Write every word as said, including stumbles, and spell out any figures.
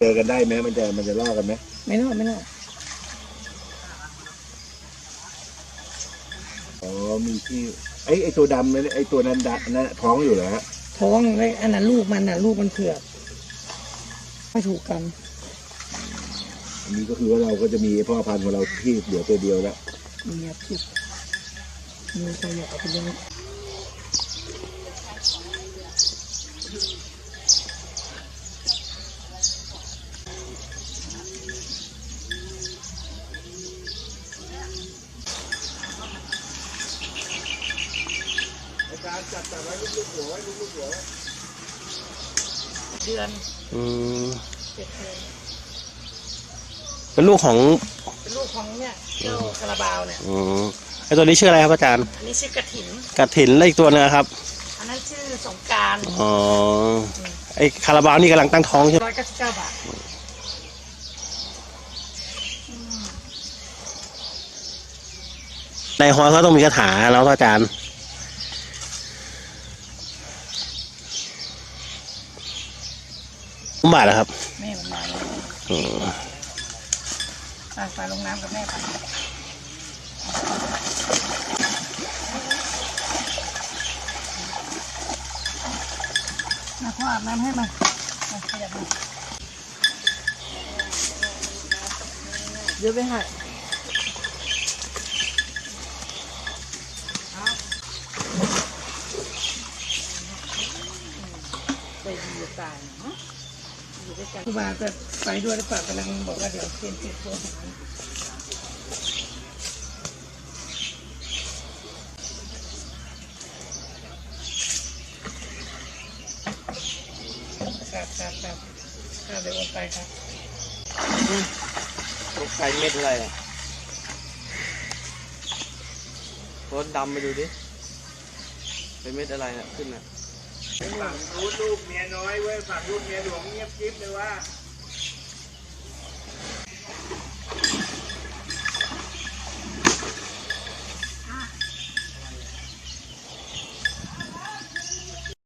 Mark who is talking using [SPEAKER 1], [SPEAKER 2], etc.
[SPEAKER 1] อกันได้ไหมมันจะมันจะล่อกันไหม
[SPEAKER 2] ไม่ล่อไม่ล่อ
[SPEAKER 1] อ๋อมีที่ไอ้ไอ้ตัวดำนั่นไอ้ตัวนั้นดำนั่นท้องอยู่เหรอฮะ
[SPEAKER 2] ท้องเลยอันนั้นลูกมันน่ะลูกมันเผือกไม่ถูกกัน
[SPEAKER 1] อันนี้ก็คือว่าเราก็จะมีพ่อพันธุ์ของเราที่เหลือตัวเดียวแล้ว
[SPEAKER 2] มีครับที่มีใครอยากเอาไปเลี้ยง
[SPEAKER 1] การจัดจัดไว้ลูกๆหัวไว้ลูกๆหัวไว้
[SPEAKER 2] เดือน
[SPEAKER 3] อืม
[SPEAKER 2] เจ็ดเดือน
[SPEAKER 3] เป็นลูกของ
[SPEAKER 2] เป็นลูกของเนี่ยเจ้าคาราบาวเนี่ย
[SPEAKER 3] อืมไอตัวนี้ชื่ออะไรครับอาจารย์
[SPEAKER 2] อันนี้ชื่อกระถิน
[SPEAKER 3] กระถินแล้วอีกตัวนึงครับ
[SPEAKER 2] อันนั้นชื่อสงกรานต์
[SPEAKER 3] อ๋อไอคาราบาวนี่กำลังตั้งท้องใช่ไหม
[SPEAKER 2] ร้อยเก้าสิบเก้าบาท
[SPEAKER 3] ในฮอยเขาต้องมีคาถาแล้วอาจารย์บาทเหรอครับ
[SPEAKER 2] แม่มันมาไปไปลงน้ำกับแม่ไปมาพ่ออาบน้ำให้มาขยับมาเยอะไปให้ไปดีตายเนาะครูบาจะไปด้วยหรือเปล่ากำลังบอกว่าเดี๋ยวเตรียมเก็บตัวหารครับครับครับครับเดี๋ยวโอนไปครับ
[SPEAKER 3] ลูกไก่เม็ดอะไรอ่ะรถดำไปดูดิเป็นเม็ดอะไรอ่ะขึ้นอ่ะ
[SPEAKER 1] ฝั่งรู้ลูกเมียน้อยเว้ยฝั่งลูกเมียหลวงเงียบกิ๊บเลยว่า